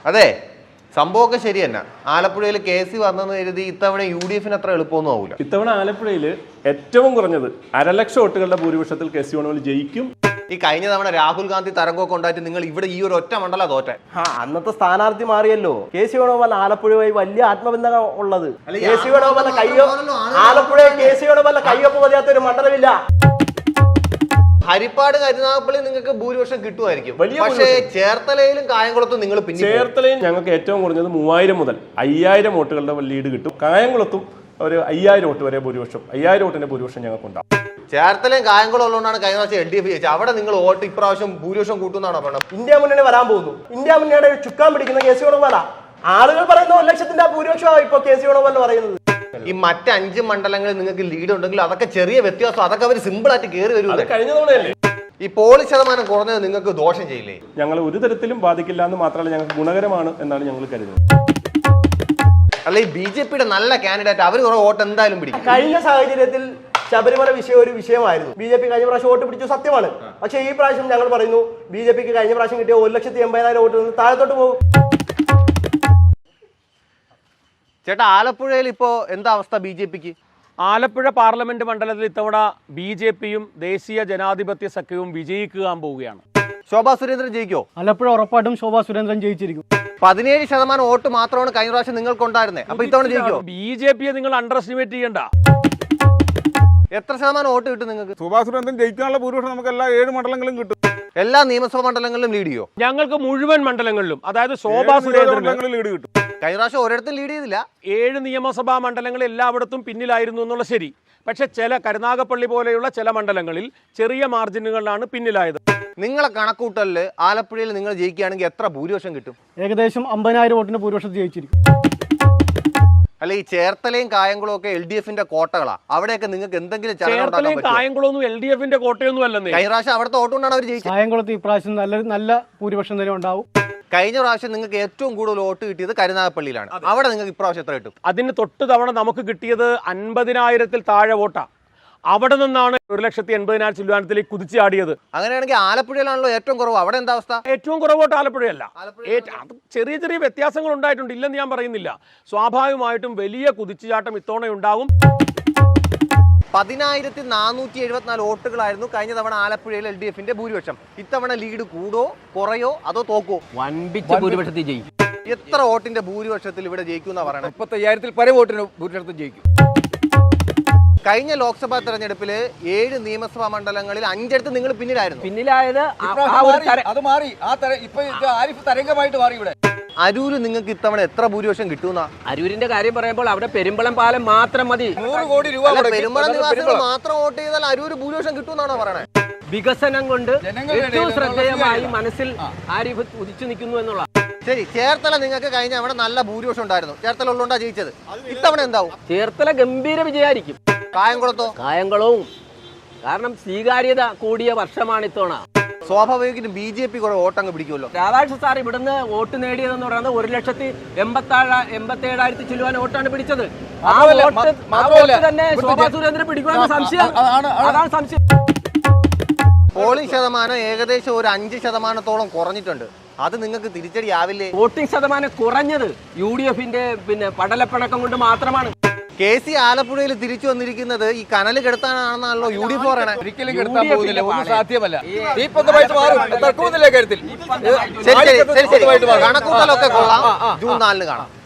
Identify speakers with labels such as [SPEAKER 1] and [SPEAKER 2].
[SPEAKER 1] അതെ, സംഭവമൊക്കെ ശരി തന്നെ. ആലപ്പുഴയിൽ കേസ് വന്നെന്ന് കരുതി ഇത്തവണ UDF അത്ര എളുപ്പമൊന്നും ആവില്ല.
[SPEAKER 2] ഇത്തവണ ആലപ്പുഴയിൽ ഏറ്റവും കുറഞ്ഞത് 1,00,000 വോട്ടുകളുടെ ഭൂരിപക്ഷത്തിൽ KC വേണുഗോപാൽ ജയിക്കും.
[SPEAKER 1] ഈ കഴിഞ്ഞ തവണ രാഹുൽ ഗാന്ധി തരംഗമൊക്കെ ഉണ്ടായിട്ട് നിങ്ങൾ ഇവിടെ ഈ ഒരു ഒറ്റ മണ്ഡല തോറ്റെ.
[SPEAKER 3] അന്നത്തെ സ്ഥാനാർത്ഥി മാറിയല്ലോ. KC വേണുഗോപാൽ ആലപ്പുഴയുമായി വലിയ ആത്മബന്ധം ഉള്ളത്. KC വേണുഗോപാലിന്റെ കയ്യോ ആലപ്പുഴയിൽ KC വേണുഗോപാലിന്റെ കയ്യൊപ്പ് പതിയാത്ത ഒരു മണ്ഡലമില്ല.
[SPEAKER 1] ഹരിപ്പാട് കരുനാഗപ്പള്ളി നിങ്ങൾക്ക് ഭൂരിപക്ഷം കിട്ടുമായിരിക്കും, പക്ഷേ ചേർത്തലയിലും കായംകുളത്തും നിങ്ങൾ പിന്നെ
[SPEAKER 2] ചേർത്തലയിൽ ഞങ്ങൾക്ക് ഏറ്റവും കുറഞ്ഞത് 3000 മുതൽ 5000 വോട്ടുകളുടെ ലീഡ് കിട്ടും. കായംകുളത്തും ഒരു 5000 വോട്ട് വരെ ഭൂരിപക്ഷം, 5000 വോട്ടിന്റെ ഭൂരിപക്ഷം ഞങ്ങൾക്ക് ഉണ്ടാവും.
[SPEAKER 1] ചേർത്തലയും കായംകുളം ഉള്ളതുകൊണ്ടാണ് കഴിഞ്ഞ പ്രാവശ്യം LDF ജയിച്ചത്. അവിടെ നിങ്ങൾ വോട്ട് ഇപ്രാവശ്യം ഭൂരിപക്ഷം കൂട്ടുന്നാണോ പറഞ്ഞത്?
[SPEAKER 3] ഇന്ത്യ മുന്നണി വരാൻ പോകുന്നു. ഇന്ത്യ മുന്നണിയുടെ ചുക്കാൻ പിടിക്കുന്ന KC വേണുഗോപാലാ. ആളുകൾ പറയുന്ന 1,00,000ന്റെ ഭൂരിപക്ഷമാണ് ഇപ്പൊ KC വേണുഗോപാൽ പറയുന്നത്.
[SPEAKER 1] ഈ മറ്റ് 5 മണ്ഡലങ്ങളിൽ നിങ്ങൾക്ക് ലീഡ് ഉണ്ടെങ്കിൽ അതൊക്കെ ചെറിയ വ്യത്യാസം, അതൊക്കെ അവർ സിമ്പിൾ ആയിട്ട് കയറി വരും.
[SPEAKER 2] കഴിഞ്ഞ തവണയല്ലേ
[SPEAKER 1] ഈ പോളിംഗ് ശതമാനം കുറഞ്ഞത് നിങ്ങൾക്ക് ദോഷം ചെയ്യില്ലേ?
[SPEAKER 2] ഞങ്ങൾ ഒരു തരത്തിലും ബാധിക്കില്ല എന്ന് മാത്രമല്ല, ഞങ്ങൾക്ക് ഗുണകരമാണ് എന്നാണ് ഞങ്ങൾ കരുതുന്നത്.
[SPEAKER 1] അല്ല, ഈ BJPയുടെ നല്ല കാൻഡിഡേറ്റ് അവർ കുറെ വോട്ട് എന്തായാലും പിടിക്കും.
[SPEAKER 3] കഴിഞ്ഞ സാഹചര്യത്തിൽ ശബരിമല വിഷയം ഒരു വിഷയമായിരുന്നു. BJP കഴിഞ്ഞ പ്രാവശ്യം വോട്ട് പിടിച്ചു, സത്യമാണ്. പക്ഷേ ഈ പ്രാവശ്യം ഞങ്ങൾ പറയുന്നു BJPക്ക് കഴിഞ്ഞ പ്രാവശ്യം കിട്ടിയ 1,80,000 വോട്ട് നിന്ന് താഴത്തോട്ട് പോകും.
[SPEAKER 1] ചേട്ടാ, ആലപ്പുഴയിൽ ഇപ്പോ എന്താ അവസ്ഥ BJPക്ക്?
[SPEAKER 4] ആലപ്പുഴ പാർലമെന്റ് മണ്ഡലത്തിൽ ഇത്തവണ BJPയും ദേശീയ ജനാധിപത്യ സഖ്യവും വിജയിക്കാൻ പോവുകയാണ്.
[SPEAKER 1] ശോഭാ സുരേന്ദ്രൻ ജയിക്കോ?
[SPEAKER 5] ആലപ്പുഴ ഉറപ്പായിട്ടും ശോഭാ സുരേന്ദ്രൻ ജയിച്ചിരിക്കും.
[SPEAKER 1] 17% വോട്ട് മാത്രമാണ് കഴിഞ്ഞ പ്രാവശ്യം നിങ്ങൾക്ക് ഉണ്ടായിരുന്നത്. അപ്പൊ ഇത്തവണ ജയിക്കോ?
[SPEAKER 4] BJPയെ നിങ്ങൾ അണ്ടർ എസ്റ്റിമേറ്റ് ചെയ്യണ്ട.
[SPEAKER 1] എത്ര ശതമാനം വോട്ട് കിട്ടും നിങ്ങൾക്ക്?
[SPEAKER 6] ശോഭാ സുരേന്ദ്രൻ ജയിക്കാനുള്ള ഭൂരിപക്ഷം നമുക്ക് എല്ലാ 7 മണ്ഡലങ്ങളും കിട്ടും.
[SPEAKER 1] എല്ലാ നിയമസഭാ മണ്ഡലങ്ങളിലും ലീഡ് ചെയ്യോ?
[SPEAKER 4] ഞങ്ങൾക്ക് മുഴുവൻ മണ്ഡലങ്ങളിലും, അതായത് ശോഭാ സുരേന്ദ്രൻ
[SPEAKER 6] ലീഡ് കിട്ടും.
[SPEAKER 1] കഴിഞ്ഞ പ്രാവശ്യം ഒരിടത്തും ലീഡ് ചെയ്തില്ല.
[SPEAKER 4] 7 നിയമസഭാ മണ്ഡലങ്ങൾ എല്ലായിടത്തും പിന്നിലായിരുന്നു എന്നുള്ള ശരി. പക്ഷെ ചില കരുനാഗപ്പള്ളി പോലെയുള്ള ചില മണ്ഡലങ്ങളിൽ ചെറിയ മാർജിനുകളിലാണ് പിന്നിലായത്.
[SPEAKER 1] നിങ്ങളെ കണക്കൂട്ടലില് ആലപ്പുഴയിൽ നിങ്ങൾ ജയിക്കുകയാണെങ്കിൽ എത്ര ഭൂരിപക്ഷം കിട്ടും?
[SPEAKER 5] ഏകദേശം 50,000 വോട്ടിന്റെ ഭൂരിപക്ഷം ജയിച്ചിരിക്കും.
[SPEAKER 1] അല്ല, ഈ ചേർത്തലയും കായംകുളവും ഒക്കെ LDFന്റെ കോട്ടകളാ. അവിടെയൊക്കെ നിങ്ങൾക്ക് എന്തെങ്കിലും
[SPEAKER 4] ചേർത്തലയും കായംകുളമൊന്നും LDFന്റെ കോട്ടയൊന്നും അല്ലെന്നേ.
[SPEAKER 1] കഴിഞ്ഞ പ്രാവശ്യം അവിടുത്തെ വോട്ടുകൊണ്ടാണ് അവർ ജയിച്ചത്.
[SPEAKER 5] കായംകുളത്ത് ഇപ്രാവശ്യം നല്ല ഭൂരിപക്ഷം തന്നെ ഉണ്ടാവും.
[SPEAKER 1] കഴിഞ്ഞ പ്രാവശ്യം നിങ്ങൾക്ക് ഏറ്റവും കൂടുതൽ വോട്ട് കിട്ടിയത് കരുനാഗപ്പള്ളിയിലാണ്. അവിടെ നിങ്ങൾക്ക് ഇപ്രാവശ്യം എത്ര കിട്ടും?
[SPEAKER 4] അതിന് തൊട്ട് തവണ നമുക്ക് കിട്ടിയത് 50,000-ൽ താഴെ വോട്ടാ. അവിടെ നിന്നാണ് 1,80,000 ചില്ലുവാനത്തിലേക്ക് കുതിച്ചാടിയത്.
[SPEAKER 1] അങ്ങനെയാണെങ്കിൽ ആലപ്പുഴയിലാണല്ലോ ഏറ്റവും കുറവ്. അവിടെ എന്താ അവസ്ഥ?
[SPEAKER 4] ഏറ്റവും കുറവ് വോട്ട് ആലപ്പുഴയല്ല. അത് ചെറിയ ചെറിയ വ്യത്യാസങ്ങൾ ഉണ്ടായിട്ടുണ്ട്, ഇല്ലെന്ന് ഞാൻ പറയുന്നില്ല. സ്വാഭാവികമായിട്ടും വലിയ കുതിച്ചുചാട്ടം ഇത്തവണ ഉണ്ടാകും.
[SPEAKER 1] 10,474 വോട്ടുകളായിരുന്നു കഴിഞ്ഞ തവണ ആലപ്പുഴയിൽ LDFന്റെ ഭൂരിപക്ഷം. ഇത്തവണ ലീഡ് കൂടോ കുറയോ അതോ തോക്കോ?
[SPEAKER 7] വൻപിച്ച ഭൂരിപക്ഷത്തിൽ ജയിക്കും.
[SPEAKER 1] എത്ര വോട്ടിന്റെ ഭൂരിപക്ഷത്തിൽ ഇവിടെ ജയിക്കും പറയണേ?
[SPEAKER 7] 35,000-ൽ പല വോട്ടിന് ഭൂരിപക്ഷത്തിൽ ജയിക്കും.
[SPEAKER 1] കഴിഞ്ഞ ലോക്സഭാ തെരഞ്ഞെടുപ്പില് 7 നിയമസഭാ മണ്ഡലങ്ങളിൽ 5 നിങ്ങൾ പിന്നിലായിരുന്നു.
[SPEAKER 7] പിന്നിലായത്
[SPEAKER 8] അത് മാറി. ഇപ്പൊ ആരിഫ് തരംഗമായിട്ട് മാറി. ഇവിടെ
[SPEAKER 1] അരൂര് നിങ്ങൾക്ക് ഇത്തവണ എത്ര ഭൂരിപക്ഷം കിട്ടുന്ന?
[SPEAKER 7] അരൂരിന്റെ കാര്യം പറയുമ്പോൾ അവിടെ പെരുമ്പളം പാലം മാത്രം മതി.
[SPEAKER 8] 100 കോടി രൂപ
[SPEAKER 1] പെരുമ്പളം നിവാസികൾ മാത്രം വോട്ട് ചെയ്താൽ അരൂര് ഭൂരിപക്ഷം കിട്ടുമെന്നാണോ പറയണേ?
[SPEAKER 7] വികസനം കൊണ്ട് ഏറ്റവും ശ്രദ്ധേയമായി മനസ്സിൽ ആരിഫ് ഉദിച്ചു നിൽക്കുന്നു എന്നുള്ള.
[SPEAKER 1] ശരി, ചേർത്തല നിങ്ങൾക്ക് കഴിഞ്ഞ അവിടെ നല്ല ഭൂരിപക്ഷം ഉണ്ടായിരുന്നു. ചേർത്തല ഉള്ളതുകൊണ്ടാ ജയിച്ചത്. ഇത്തവണ എന്താവും?
[SPEAKER 7] ചേർത്തല ഗംഭീര വിജയമായിരിക്കും.
[SPEAKER 1] കായംകുളത്തോ?
[SPEAKER 7] കായംകുളവും കാരണം സ്വീകാര്യത കൂടിയ വർഷമാണ് ഇത്തവണ.
[SPEAKER 1] സ്വാഭാവികമായിട്ടും BJP കുറെ വോട്ടങ്ങ് പിടിക്കുമല്ലോ.
[SPEAKER 7] രാധാകൃഷ്ണൻ സാർ ഇവിടുന്ന് വോട്ട് നേടിയതെന്ന് പറയുന്നത് 1,87,000 ചില്ലുവാൻ വോട്ടാണ് പിടിച്ചത്. ആ വോട്ട് തന്നെ ശോഭാ സുരേന്ദ്രൻ പിടിക്കുമെന്ന സംശയം. അതാണ് സംശയം.
[SPEAKER 1] പോളിംഗ് ശതമാനം ഏകദേശം ഒരു 5% കുറഞ്ഞിട്ടുണ്ട്. അത് നിങ്ങൾക്ക് തിരിച്ചടിയാവില്ലേ?
[SPEAKER 7] വോട്ടിംഗ് ശതമാനം കുറഞ്ഞത് UDFന്റെ പടലപ്പിണക്കം കൊണ്ട് മാത്രമാണ്.
[SPEAKER 1] KC ആലപ്പുഴയിൽ തിരിച്ചു വന്നിരിക്കുന്നത് ഈ കനല് കെടുത്താനാണെന്നാണല്ലോ UDF പറയണേ.
[SPEAKER 8] ഒരിക്കലും കെടുത്താൻ പോകുന്നില്ല, ഒന്നും സാധ്യമല്ല. ദീപന്തമായിട്ട് മാറും, തർക്കമൊന്നുമില്ല കാര്യത്തിൽ.
[SPEAKER 1] ശരി, കണക്കൂട്ടലൊക്കെ കൊള്ളാം. ജൂൺ 4 കാണാം.